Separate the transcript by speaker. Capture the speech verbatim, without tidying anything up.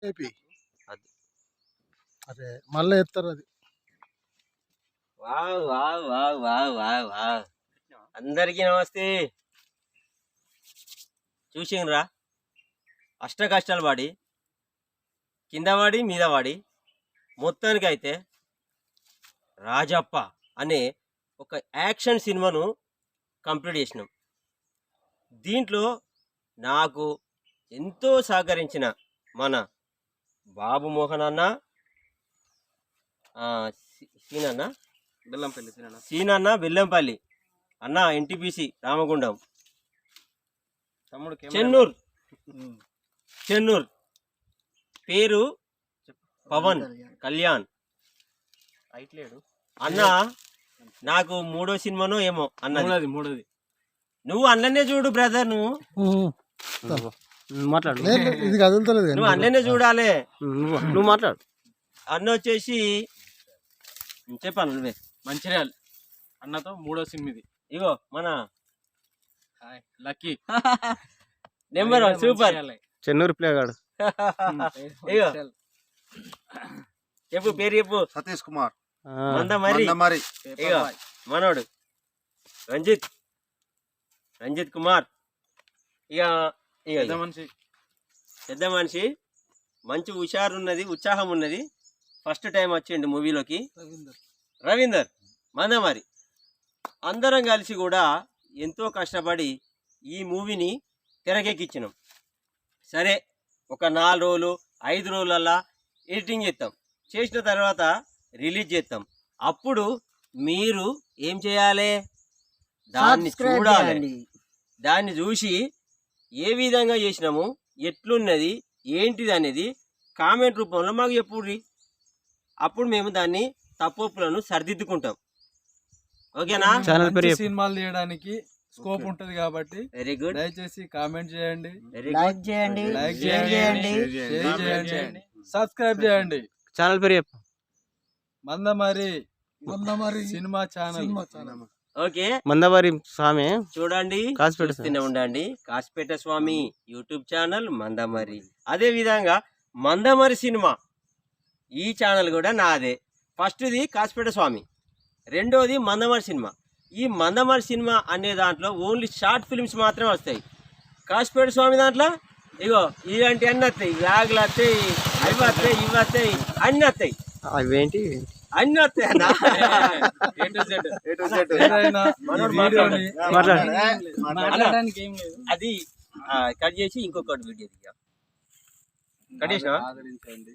Speaker 1: AP
Speaker 2: అది
Speaker 1: అదే మళ్ళీ ఎత్తారు అది.
Speaker 2: Wow wow wow wow wow wow అందరికీ నమస్తే. చూసిండ్రా అష్ట కష్టాలు పడి కింద పడి మీద పడి మొత్తానికైతే రాజప్ప అనే ఒక యాక్షన్ సినిమాను కంప్లీట్ చేసినాం. దీంట్లో నాకు ఎంతో సహకరించిన మన బాబు మోహన్ అన్న, సీనన్న
Speaker 3: బెల్లంపల్లి
Speaker 2: సీనన్న బెల్లంపల్లి అన్న, ఎన్టీపీసీ రామగుండం,
Speaker 3: తమ్ముడు
Speaker 2: చెన్నూర్ చెన్నూర్ పేరు పవన్ కళ్యాణ్
Speaker 3: అయిట్లేడు
Speaker 2: అన్న. నాకు మూడో సినిమానో ఏమో అన్నది
Speaker 3: మూడోది.
Speaker 2: నువ్వు అన్ననే చూడు బ్రదర్, నువ్వు
Speaker 3: మాట్లాడు.
Speaker 1: లేదు, ఇది కదులుతలేదు కానీ.
Speaker 2: నువ్వు అన్ననే చూడాలి.
Speaker 3: నువ్వు మాట్లాడు.
Speaker 2: అన్న వచ్చేసి చెప్పాను నువ్వే.
Speaker 3: మంచిర్యాల అన్నతో మూడో సినిమా ఇది.
Speaker 2: ఇగో మన
Speaker 3: lucky
Speaker 2: number one super
Speaker 3: Chennur ప్లేగాడు.
Speaker 2: ఇగో చెప్పు పేరు చెప్పు.
Speaker 4: సతీష్ కుమార్
Speaker 2: మంద మరి.
Speaker 4: మరి
Speaker 2: ఇగో మనోడు రంజిత్ రంజిత్ కుమార్. ఇక ఇక
Speaker 3: మనిషి
Speaker 2: పెద్ద మనిషి, మంచి హుషారు ఉన్నది, ఉత్సాహం ఉన్నది. ఫస్ట్ టైం వచ్చిండు మూవీలోకి రవీందర్ మందమారి. అందరం కలిసి కూడా ఎంతో కష్టపడి ఈ మూవీని తెరకెక్కించినాం. సరే, ఒక నాలుగు రోజులు ఐదు రోజులల్లా ఎడిటింగ్ చేస్తాం. చేసిన తర్వాత రిలీజ్ చేస్తాం. అప్పుడు మీరు ఏం చేయాలి? దాన్ని చూడాలి. దాన్ని చూసి ఏ విధంగా చేసినాము, ఎట్లున్నది, ఏంటిది అనేది కామెంట్ రూపంలో మాకు చెప్పుర్రి. అప్పుడు మేము దాన్ని తప్పులను సరిదిద్దుకుంటాం. ఓకేనా?
Speaker 3: సినిమాలు తీయడానికి స్కోప్ ఉంటది కాబట్టి
Speaker 2: వెరీ గుడ్.
Speaker 3: దయచేసి కామెంట్ చేయండి,
Speaker 5: లైక్ చేయండి,
Speaker 3: లైక్
Speaker 5: షేర్ చేయండి,
Speaker 3: షేర్ చేయండి, సబ్స్క్రైబ్ చేయండి.
Speaker 6: ఛానల్ పేరు చెప్పు.
Speaker 3: Mandamarri
Speaker 1: Mandamarri
Speaker 3: cinema channel.
Speaker 1: Cinema channel.
Speaker 2: Okay,
Speaker 6: Mandamarri Swami
Speaker 2: చూడండి,
Speaker 6: కాసిపేట
Speaker 2: చూస్తూనే ఉండండి. Kasipet Swami YouTube channel Mandamarri. అదే విధంగా మందమరి సినిమా ఈ ఛానల్ కూడా నాదే. ఫస్ట్ది కాసిపేట స్వామి, రెండోది మందమరి సినిమా. ఈ మందమరి సినిమా అనే దాంట్లో ఓన్లీ షార్ట్ ఫిల్మ్స్ మాత్రమే వస్తాయి. కాసిపేట స్వామి దాంట్లో ఇగో ఇలాంటి అన్నీ వస్తాయి, వ్యాగులు వస్తాయి, అవి వస్తాయి, ఇవి వస్తాయి, అన్నీ వస్తాయి.
Speaker 6: అవేంటి
Speaker 2: అన్నీ వస్తాయి అన్న. అది కట్ చేసి ఇంకొకటి వీడియో కట్ చేసినా.